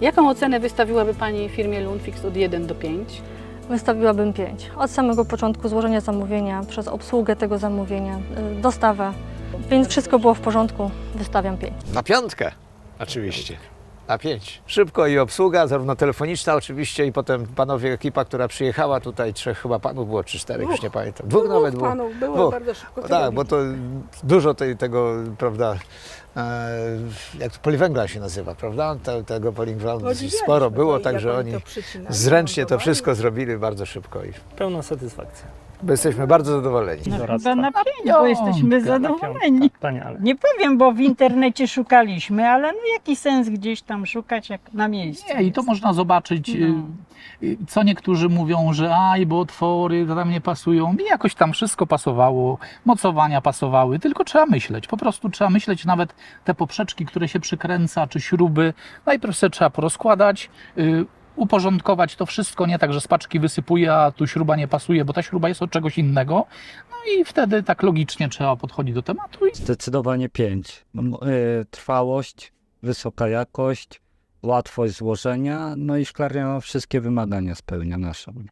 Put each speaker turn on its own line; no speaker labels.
Jaką ocenę wystawiłaby Pani firmie Lunfix od 1 do 5?
Wystawiłabym 5. Od samego początku złożenia zamówienia, przez obsługę tego zamówienia, dostawę. Więc wszystko było w porządku, wystawiam 5.
Na 5 oczywiście. Na 5. Szybko i obsługa, zarówno telefoniczna oczywiście i potem panowie, ekipa, która przyjechała tutaj, 3 chyba panów było, czy 4, już nie pamiętam. 2 nawet było.
Panów było
Dwóch.
bardzo szybko.
Tak, bo to dużo tego, prawda, jak to poliwęgla się nazywa, prawda? Tego poliwęgla sporo było, także oni zręcznie to wszystko zrobili bardzo szybko i
Pełna satysfakcja.
jesteśmy bardzo zadowoleni.
Chyba na 5, bo jesteśmy zadowoleni.
Wspaniale.
Nie powiem, bo w internecie szukaliśmy, ale no jaki sens gdzieś tam szukać, jak na miejscu.
Nie, i to można zobaczyć, co niektórzy mówią, że bo otwory tam nie pasują. I jakoś tam wszystko pasowało, mocowania pasowały, tylko trzeba myśleć. Po prostu trzeba myśleć, nawet te poprzeczki, które się przykręca, czy śruby, najpierw sobie trzeba porozkładać, uporządkować to wszystko, nie tak, że z paczki wysypuje, a tu śruba nie pasuje, bo ta śruba jest od czegoś innego. No i wtedy tak logicznie trzeba podchodzić do tematu.
Zdecydowanie 5. Trwałość, wysoka jakość, łatwość złożenia, no i szklarnia wszystkie wymagania spełnia nasze.